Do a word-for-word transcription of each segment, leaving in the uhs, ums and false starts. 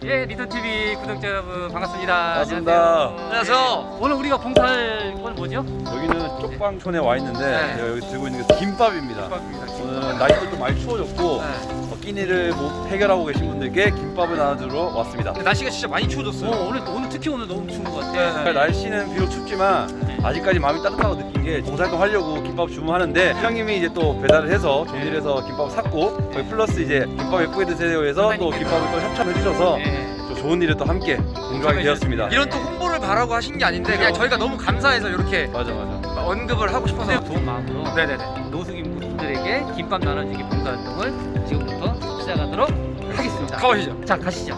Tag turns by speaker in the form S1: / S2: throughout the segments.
S1: 예, 리더티비 구독자 여러분 반갑습니다.
S2: 반갑습니다.
S1: 안녕하세요. 오늘 우리가 봉사할 건 뭐죠?
S2: 여기는 쪽방촌에 와 있는데
S1: 네.
S2: 제가 여기 들고 있는 게 김밥입니다.
S1: 김밥입니다.
S2: 오늘 날씨도 좀 많이 추워졌고
S1: 네.
S2: 어, 끼니를 못 해결하고 계신 분들께 김밥을 나눠주러 왔습니다.
S1: 근데 날씨가 진짜 많이 추워졌어요. 어, 오늘 오늘 특히 오늘 너무 추운 것 같아.
S2: 네. 날씨는 비록 춥지만
S1: 네.
S2: 아직까지 마음이 따뜻하고 느낀 게 봉사활동 하려고 김밥 주문하는데 형님이 이제 또 배달을 해서 좋은 일해서 김밥 샀고 거기 플러스 이제 김밥 예쁘게 드세요 해서 또 김밥을 또 협찬해 주셔서
S1: 네.
S2: 또 좋은 일에 또 함께 공조하게 되었습니다.
S1: 이런 또 홍보를 바라고 하신 게 아닌데 그냥 저희가 너무 감사해서 이렇게
S2: 맞아 맞아.
S1: 언급을 하고 싶어서
S3: 좋은 마음으로
S1: 네네네.
S3: 노숙인 분들에게 김밥 나눠주기 봉사활동을 지금부터 시작하도록 하겠습니다.
S1: 가보시죠.
S3: 자, 가시죠.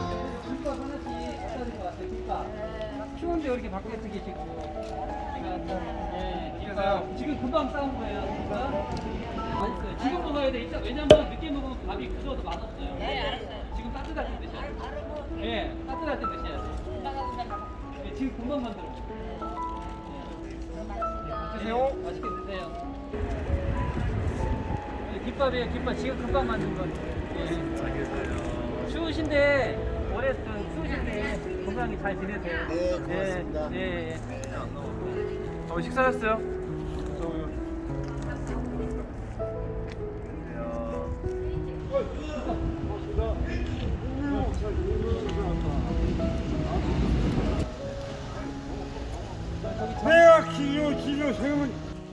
S3: 추운데 이렇게 밖에 계시고 지금 금방 싸운 거예요. 맛있어요. 지금 먹어야 돼. 이따 왜냐면 늦게 먹으면 밥이 굳어서 맛없어요. 네, 알았어요. 지금 따뜻할 때 드셔야 돼. 네, 따뜻할 때 드셔야 돼. 네, 지금 금방 만들어. 드세요. 맛있게 드세요. 네, 김밥이에요. 김밥 지금 금방 만든 거. 네. 추우신데 올해 또 추우신데 건강히 잘 지내세요.
S4: 네, 고맙습니다.
S3: 네, 네.
S1: 어, 식사하셨어요?
S4: 내가 기로 기로 세우면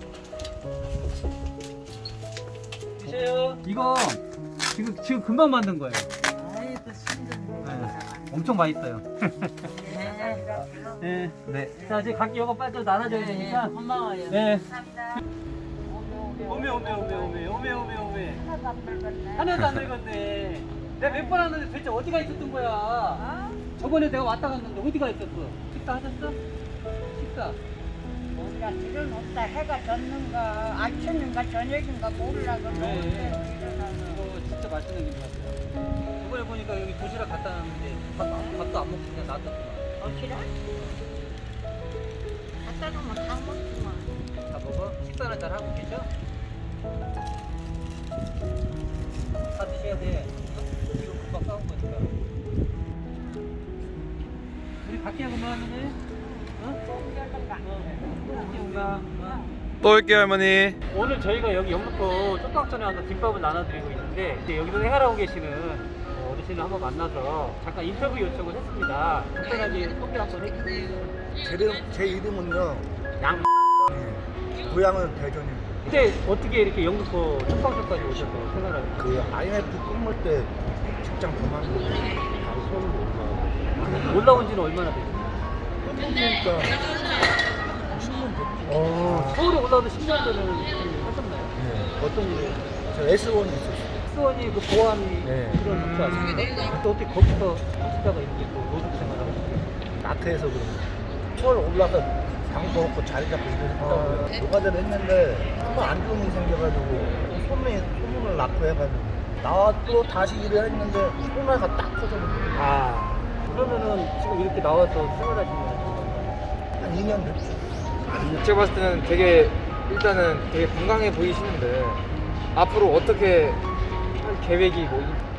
S3: 드세요. 이거 지금 지금 금방 만든 거예요. 네, 엄청 맛있어요. 네. 네. 자, 이제 각기 이거 빨리 나눠줘야 되니까.
S5: 고마워요.
S3: 네.
S5: 감사합니다.
S3: 오메 오메 오메 오메 오메 오메 오메. 하나도 안 늙었네. 내가 몇 번 왔는데 도대체 어디가 있었던 거야? 저번에 내가 왔다 갔는데 어디가 있었어? 식사 하셨어? 식사.
S5: 우리가 지금 없다. 해가 졌는가 아침인가 저녁인가 몰라. 그
S3: 네.
S5: 노을대로 일어나서.
S3: 이거 진짜 맛있는 것 같아요. 저번에 보니까 여기 도시락 갖다 놨는데 밥, 밥도 안 먹고 그냥 놔뒀구만.
S5: 어시라? 갖다 놓으면 다 먹지만.
S3: 다 먹어? 식사는 잘 하고 계셔? 다 드셔야 돼. 지금 금방 싸운 거니까. 우리 밖에 그만하네. 어? 어?
S2: 또 올게요 할머니.
S3: 오늘 저희가 여기 영등포 쪽방촌에 와서 김밥을 나눠드리고 있는데 이제 여기서 생활하고 계시는 어, 어르신을 한번 만나서 잠깐 인터뷰 요청을 했습니다. 간단하게 소개 한번 해주세요.
S4: 제, 이름, 제 이름은요
S3: 양.
S4: 고향은 대전입니다.
S3: 그때 어떻게 이렇게 영등포 쪽방촌까지 오셔서 생활을
S4: 그 아이엠에프 끝물 때 직장 그만두고 바로 서울로 올라가고
S3: 올라온 지는 얼마나 됐어요?
S4: 그러니까 십 년 됐죠.
S3: 어, 서울에 올라와도 십 년 전에 하셨나요?
S4: 네. 어떤 일이 저 에스원에 있었어요.
S3: 수원이 그 보안이
S4: 네.
S3: 그런 복지 아닙니까? 또 어떻게 거기서 하시다가 이렇게 또 노숙 생활을 하시게
S4: 마트에서 그런 거. 서울 올라서 방도 없고 자리 잡고 일을 했다고요. 노가다를 했는데 정말 안 좋은 일이 생겨가지고 소문이, 소문을 낳고 해가지고 나와도 다시 일을 했는데 코로나가 딱 터져버렸어요.
S3: 아, 그러면은 지금 이렇게 나와서 생활하시는 거예요?
S4: 한 이 년 됐죠.
S6: 제가 봤을 때는 되게 일단은 되게 건강해 보이시는데 앞으로 어떻게 할 계획이 뭐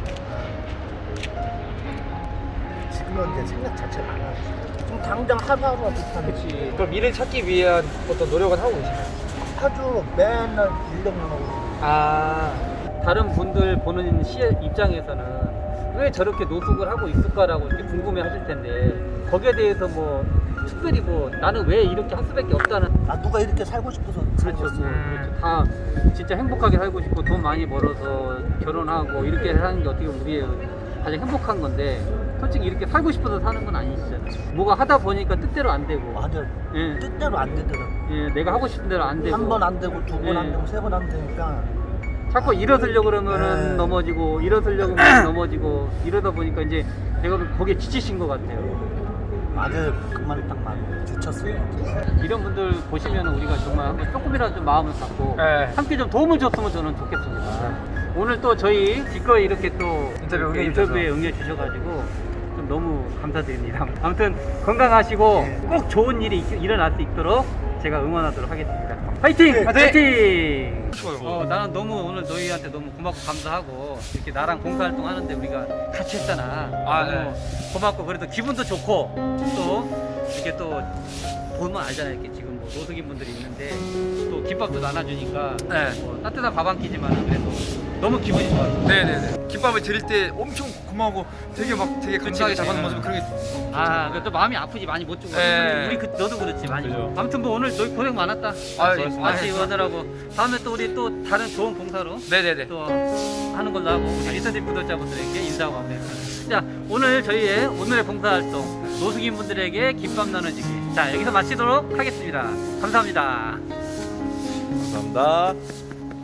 S4: 지금은 이제 생각 자체가 안 하죠. 지금 당장 하루하루가 비슷한 거지.
S6: 있지? 그럼 미래 찾기 위한 어떤 노력은 하고 계시나요?
S4: 아주 맨날 일력만 하고.
S6: 아,
S3: 다른 분들 보는 시 입장에서는 왜 저렇게 노숙을 하고 있을까라고 이렇게 궁금해 하실 텐데 거기에 대해서 뭐 특별히 뭐 나는 왜 이렇게 할 수밖에 없다는
S4: 아 누가 이렇게 살고 싶어서
S3: 그렇죠.
S4: 살고 있어요.
S3: 그렇죠. 다 진짜 행복하게 살고 싶고 돈 많이 벌어서 결혼하고 이렇게 사는 게 어떻게 보면 우리의 가장 행복한 건데 솔직히 이렇게 살고 싶어서 사는 건 아니시잖아요. 뭐가 하다 보니까 뜻대로 안 되고
S4: 맞아.
S3: 예,
S4: 뜻대로 안 되더라고.
S3: 예, 내가 하고 싶은 대로 안 되고
S4: 한 번 안 되고 두 번
S3: 예.
S4: 안 되고 세 번 안 되니까
S3: 자꾸 일어서려고 그러면은
S4: 네.
S3: 넘어지고 일어서려고 하면 넘어지고 이러다 보니까 이제 내가 거기에 지치신 것 같아요.
S4: 맞아요. 그 말이 딱 맞아요. 지쳤어요.
S3: 이런 분들 보시면 우리가 정말 한번 조금이라도 좀 마음을 갖고
S6: 네.
S3: 함께 좀 도움을 줬으면 저는 좋겠습니다. 오늘 또 저희 기꺼이 이렇게 또
S6: 인터뷰
S3: 이렇게
S6: 응해주셔서.
S3: 인터뷰에 응해주셔가지고 좀 너무 감사드립니다. 아무튼 건강하시고
S4: 네.
S3: 꼭 좋은 일이 있- 일어날 수 있도록 제가 응원하도록 하겠습니다. 파이팅! 파이팅!
S1: 좋아요.
S3: 어, 나는 너무 오늘 너희한테 너무 고맙고 감사하고 이렇게 나랑 봉사활동 하는데 우리가 같이 했잖아.
S1: 아,
S3: 너무 고맙고 그래도 기분도 좋고 또 이렇게 또 보면 알잖아요. 이렇게 지금 뭐 노숙인 분들이 있는데 또 김밥도 나눠주니까
S1: 네.
S3: 뭐 따뜻한 밥 한 끼지만 그래도 너무 기분이 좋아요.
S1: 네네네. 김밥을 드릴 때 엄청 고마워. 되게 막 되게 감사하게
S3: 그치,
S1: 잡아놓은
S3: 그치.
S1: 모습 그런 게.
S3: 아, 그또 마음이 아프지 많이 못 주고.
S1: 네.
S3: 우리 그 너도 그렇지 많이.
S2: 그죠.
S3: 아무튼 뭐 오늘 너희 고생 많았다.
S1: 아,
S3: 같이
S1: 아,
S3: 오더라고. 다음에 또 우리 또 다른 좋은 봉사로
S1: 네네네.
S3: 또 하는 걸로 하고 우리 리서디 구독자분들에게 인사하고 마무리하겠습니다. 자, 오늘 저희의 오늘의 봉사활동 노숙인 분들에게 김밥 나눠주기. 자, 여기서 마치도록 하겠습니다. 감사합니다.
S2: 감사합니다.